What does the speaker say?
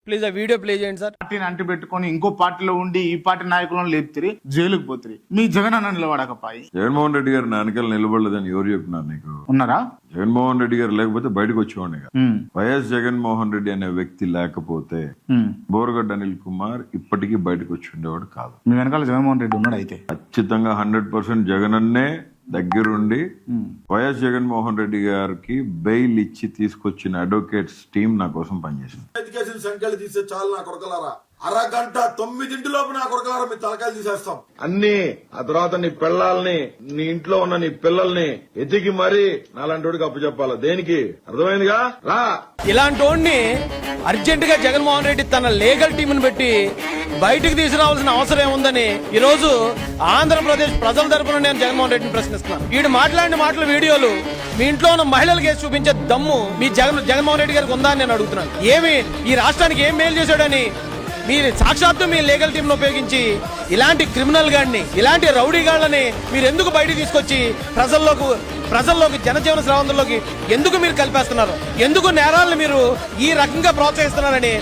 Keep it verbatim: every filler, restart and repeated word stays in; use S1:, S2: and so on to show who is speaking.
S1: Please ఆ video play చేయండి sir.
S2: పార్టీని అంటి పెట్టుకొని ఇంకో పార్టీలో ఉండి ఈ పార్టీ నాయకులను లేపుతిరి, జైలుకు పోతిరి. మీ జగన్ అన్న నిలబడకపాయి.
S3: జగన్మోహన్ రెడ్డి గారు నా వెనకాల నిలబడలేదని ఎవరు చెప్పినారు నీకు?
S2: ఉన్నారా?
S3: జగన్మోహన్ రెడ్డి గారు లేకపోతే బయటకు వచ్చేవాడిని. వైఎస్ జగన్మోహన్ రెడ్డి అనే వ్యక్తి లేకపోతే బోరగడ్డ అనిల్ కుమార్ ఇప్పటికీ బయటకు వచ్చి ఉండేవాడు కాదు.
S2: మీ వెనకాల జగన్మోహన్ రెడ్డి ఉన్నాడు. అయితే
S3: ఖచ్చితంగా హండ్రెడ్ పర్సెంట్ జగన్ అన్నే దగ్గరుండి వైఎస్ జగన్మోహన్ రెడ్డి గారికి బెయిల్ ఇచ్చి తీసుకొచ్చిన అడ్వకేట్స్ టీం నా కోసం పనిచేసింది.
S4: ఎడ్యుకేషన్ సంఖ్యలు తీసే చాలు నా కొరకలారా, అరగంట తొమ్మిదింటి లోపు నా కొరకలారా మీ తలకాయలు తీసేస్తాం అన్ని. ఆ తర్వాత నీ పిల్లల్ని, నీ ఇంట్లో ఉన్న నీ పిల్లల్ని ఎతికి మరీ నాలాంటి అప్పు చెప్పాలా? దేనికి? అర్థమైందిగా? రా.
S1: ఇలాంటి వాడిని అర్జెంట్ గా జగన్మోహన్ రెడ్డి తన లీగల్ టీంను పెట్టి బయటకు తీసుకురావాల్సిన అవసరం ఏముందని ఈ రోజు ఆంధ్రప్రదేశ్ ప్రజల తరపున నేను జగన్మోహన్ రెడ్డిని ప్రశ్నిస్తున్నాను. వీడు మాట్లాడిన మాటల వీడియోలు మీ ఇంట్లో ఉన్న మహిళలకు వేసి చూపించే దమ్ము మీ జగన్ జగన్మోహన్ రెడ్డి గారికి ఉందా అని నేను అడుగుతున్నాను. ఏమి ఈ రాష్ట్రానికి ఏం మేలు చేశాడని మీరు సాక్షాత్తు మీ లీగల్ టీంను ఉపయోగించి ఇలాంటి క్రిమినల్ గాడిని, ఇలాంటి రౌడీ గాళ్ళని మీరు ఎందుకు బయటకు తీసుకొచ్చి ప్రజల్లోకి ప్రజల్లోకి జనజీవన స్రవంతుల్లోకి ఎందుకు మీరు కలిపేస్తున్నారు? ఎందుకు నేరాలను మీరు ఈ రకంగా ప్రోత్సహిస్తున్నారని